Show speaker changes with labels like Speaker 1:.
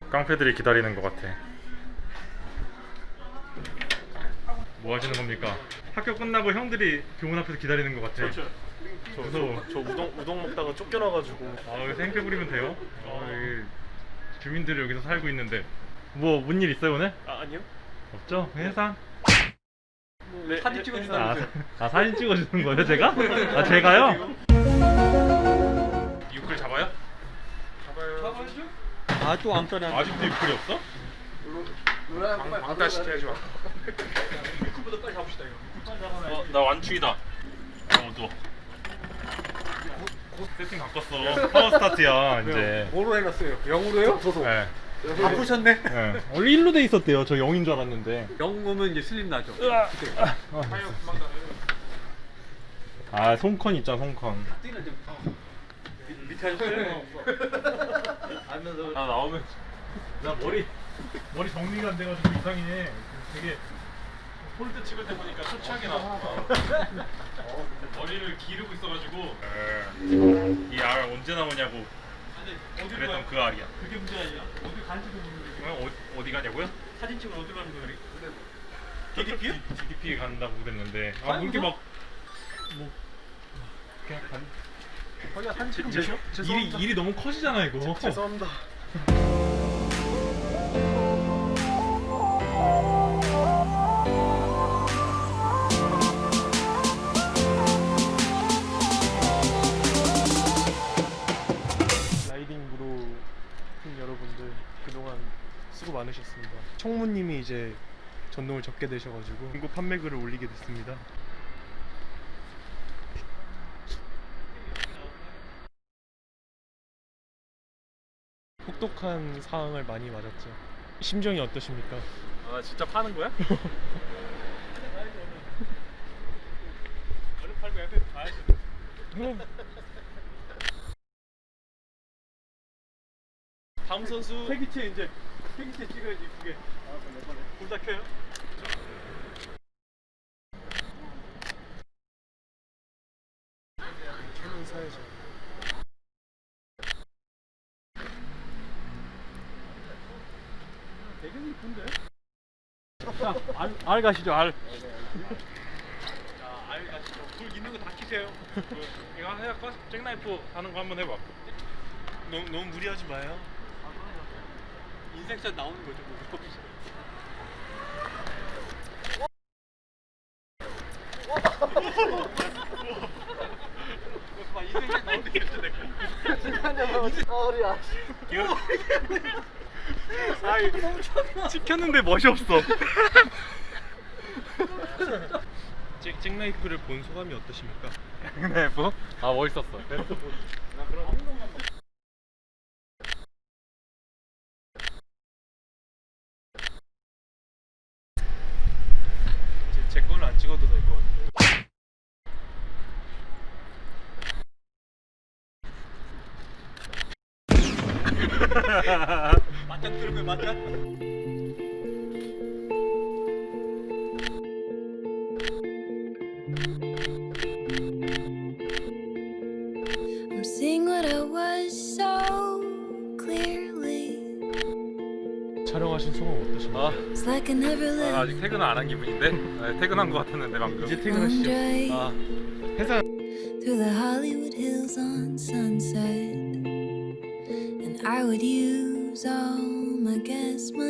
Speaker 1: 깡패들이 기다리는 것 같아. 뭐 하시는 겁니까? 학교 끝나고 형들이 교문 앞에서 기다리는 것 같아. 무서워.
Speaker 2: 저 우동 먹다가 쫓겨나가지고.
Speaker 1: 아, 여기서 행패 부리면 돼요? 여기 주민들이 여기서 살고 있는데 뭐 뭔 일 있어요 오늘?
Speaker 2: 아니요.
Speaker 1: 없죠? 회사?
Speaker 2: 네,
Speaker 3: 사진 찍어준다면서요.
Speaker 1: 사진 찍어주는 거예요 제가? 아 제가요? 유클 잡아요?
Speaker 3: 잡아야죠. 아또 안 떠나.
Speaker 1: 아직도 유클이 없어?
Speaker 2: 왕따 시켜야죠.
Speaker 3: 유쿠보다 빨리 잡읍시다 이거.
Speaker 1: 나 완충이다. 어두워. 세팅 바꿨어. 파워 스타트야 이제.
Speaker 3: 뭐로 해놨어요? 0으로요? 저도.
Speaker 1: 네.
Speaker 3: 바꾸셨네.
Speaker 1: 네. 원래 1로 돼 있었대요. 저 0인 줄 알았는데.
Speaker 3: 0 오면 이제 슬림 나죠.
Speaker 1: 아 손컨 있잖아 손컨.
Speaker 3: 밑에 하셨어요?
Speaker 1: 아 나오면 나 머리 정리가 안 돼가지고 이상해. 되게 폴드 찍을 때 보니까 초췌하게 나왔어. 머리를 기르고 있어가지고 이 알 언제 나오냐고 그랬던 그 알이야.
Speaker 3: 그게 문제 아니야. 어디 간지도 모르는데.
Speaker 1: 어디 가냐고요?
Speaker 3: 사진 찍으러 어디 가는 거예요?
Speaker 1: DDP요? DDP에 간다고 그랬는데 아 이렇게 막 뭐 그냥
Speaker 3: 거기가 사진 찍으면
Speaker 1: 일이 너무 커지잖아 이거.
Speaker 2: 죄송합니다.
Speaker 4: 라이딩 무로 팀 여러분들 그동안 수고 많으셨습니다. 청무님이 이제 전동을 접게 되셔가지고 중고 판매글을 올리게 됐습니다. 혹독한 상황을 많이 맞았죠. 심정이 어떠십니까?
Speaker 1: 아 진짜 파는 거야?
Speaker 3: 얼른 팔고 옆에 가야지.
Speaker 4: 그럼
Speaker 3: 다음 선수 폐기체 이제 폐기체 찍어야지 그게. 불 다 켜요?
Speaker 4: 천원 사야죠.
Speaker 3: 되게 이쁜데? 자, 알 가시죠, 알. 자, 알 가시죠. 불 있는 거 다 키세요.
Speaker 1: 이거 하나 해볼까? 잭나이프 하는 거 한번 해봐.
Speaker 4: 너무 무리하지 마요.
Speaker 3: 인생샷 나오는 거죠, 뭐. 봐, 인생샷 나오는 게 있어, 내가.
Speaker 1: 아이 찍혔는데 멋이 없어.
Speaker 4: 잭나이프를 본 소감이 어떠십니까?
Speaker 1: 잭나이프? 아 멋있었어.
Speaker 4: 이제 제 거는 안 찍어도 될 것 같아요.
Speaker 3: 맞짱 뜨는 거야, 맞짱?
Speaker 5: I'm seeing what I was so clearly.
Speaker 4: 촬영하신 소감 어떠십니까?
Speaker 5: It's like I never lived.
Speaker 1: 아직 퇴근을 안 한 기분인데? 네, 퇴근한 거 같았는데 방금.
Speaker 4: 이제
Speaker 5: one
Speaker 4: 퇴근하시죠.
Speaker 5: day
Speaker 4: 아, 회사
Speaker 5: through the Hollywood Hills on Sunset, and I would use all my gas money